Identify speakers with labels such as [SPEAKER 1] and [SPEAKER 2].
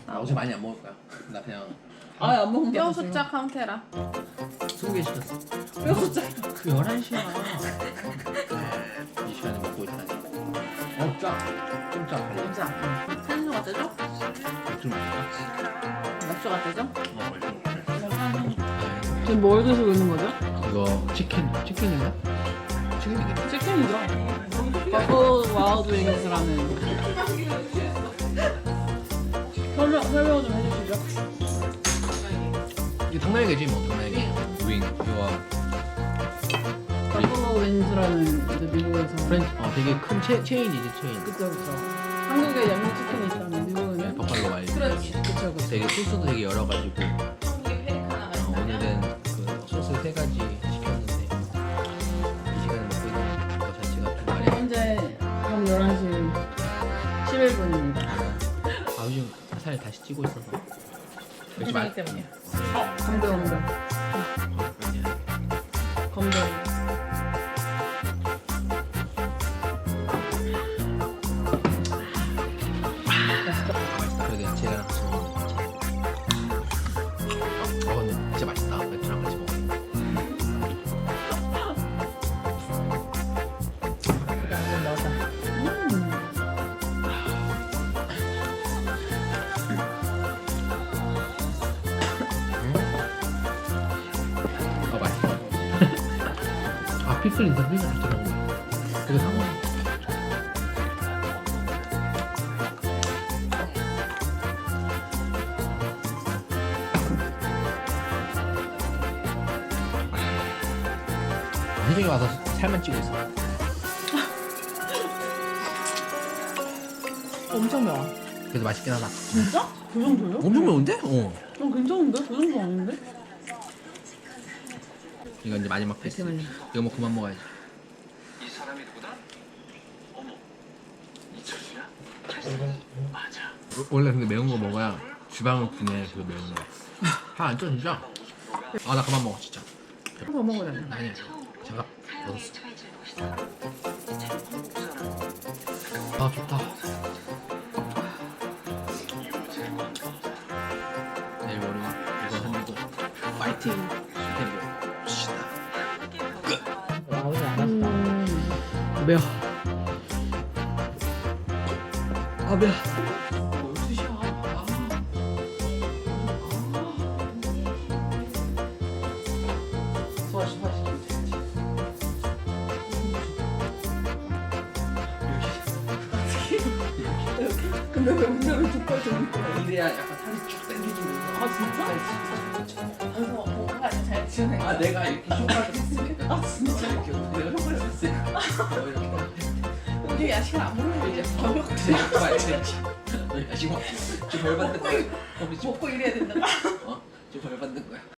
[SPEAKER 1] 나 어제 많이 안 먹을 거야. 나 그냥
[SPEAKER 2] 아예 안 먹는다.
[SPEAKER 3] 뼈 숫자 카운테라.
[SPEAKER 1] 20개 시켰어.
[SPEAKER 2] 뼈 숫자.
[SPEAKER 1] 그 11시야. 이 시간에 먹고 있다니. 짜. 좀 짜.
[SPEAKER 3] 진짜. 산수가 되죠?
[SPEAKER 1] 좀 맛있다.
[SPEAKER 3] 맥주가 되죠?
[SPEAKER 2] 지금 뭘 드시고 있는 거죠?
[SPEAKER 1] 이거 치킨인가? 치킨이겠다.
[SPEAKER 2] 치킨이죠. 버거 와우드 윙스라는. 설명 좀 해주시죠.
[SPEAKER 1] 이게 당나귀지 뭐 당나귀. 윙 이거
[SPEAKER 2] 버거 윙스라는 이제 미국에서.
[SPEAKER 1] 되게 큰 체인이지 체인.
[SPEAKER 2] 그쵸 그쵸. 한국에 양념 치킨이 있다면 미국에는
[SPEAKER 1] 버팔로 와일드.
[SPEAKER 3] 그렇지.
[SPEAKER 2] 그쵸 그쵸.
[SPEAKER 1] 되게 소스도 되게 여러 가지고.
[SPEAKER 3] 한국에 페리카나가 있잖아.
[SPEAKER 1] 오늘은 그 소스 3가지 시켰는데 이 시간에 먹고 있는 거 자체가 좀 많이.
[SPEAKER 2] 현재 밤 11시 11분입니다.
[SPEAKER 1] 요즘 살 다시 찌고 있어서.
[SPEAKER 3] 그렇기 때문이야.
[SPEAKER 2] 검도 검도.
[SPEAKER 1] 맛있다. 그래도 야채랑 같이 먹으면 괜찮아. 근데 진짜 맛있다. 맥주랑 같이 먹으면.
[SPEAKER 3] 그다음에 넣자.
[SPEAKER 1] 맛있어. 피클 있다. 피클 같이 먹으면. 되게 상어. 혜정이 와서 살만 찌고 있어.
[SPEAKER 2] 엄청 매워.
[SPEAKER 1] 그래도 맛있긴 하다.
[SPEAKER 2] 진짜? 그 정도요?
[SPEAKER 1] 엄청 매운데?
[SPEAKER 2] 괜찮은데? 그 정도 아닌데?
[SPEAKER 1] 이거 이제 마지막 패스. 이거 뭐 그만 먹어야지.
[SPEAKER 4] 이 사람이 누구다? 어머, 이철수야? 맞아.
[SPEAKER 1] 원래 근데 매운 거 먹어야 주방을 분해. 그 매운 거. 안 쪄 진짜. 나 그만 먹어 진짜.
[SPEAKER 2] 더 먹어야 돼.
[SPEAKER 1] 아니야. 잠깐 먹었어. 좋다. 내일 모레 이거 흔들고 파이팅. 시다.
[SPEAKER 3] 나오지 않았어.
[SPEAKER 1] 매워. 매워.
[SPEAKER 2] 근데 왜 운전을 두꺼워 좀.
[SPEAKER 1] 이래야 약간 살이 쭉 당겨지면서.
[SPEAKER 2] 진짜?
[SPEAKER 3] 그래서 뭔가 잘 지내.
[SPEAKER 1] 내가 이렇게 쇼파를 했으니까.
[SPEAKER 3] 진짜?
[SPEAKER 1] 이렇게 내가 쇼파를 했으니까.
[SPEAKER 3] 우리 야식을 안 먹는 게 이제 저녁
[SPEAKER 1] 야식 먹. 지금 벌 받는 거야.
[SPEAKER 3] 먹고 이래야 된다.
[SPEAKER 1] 지금 벌 받는 거야.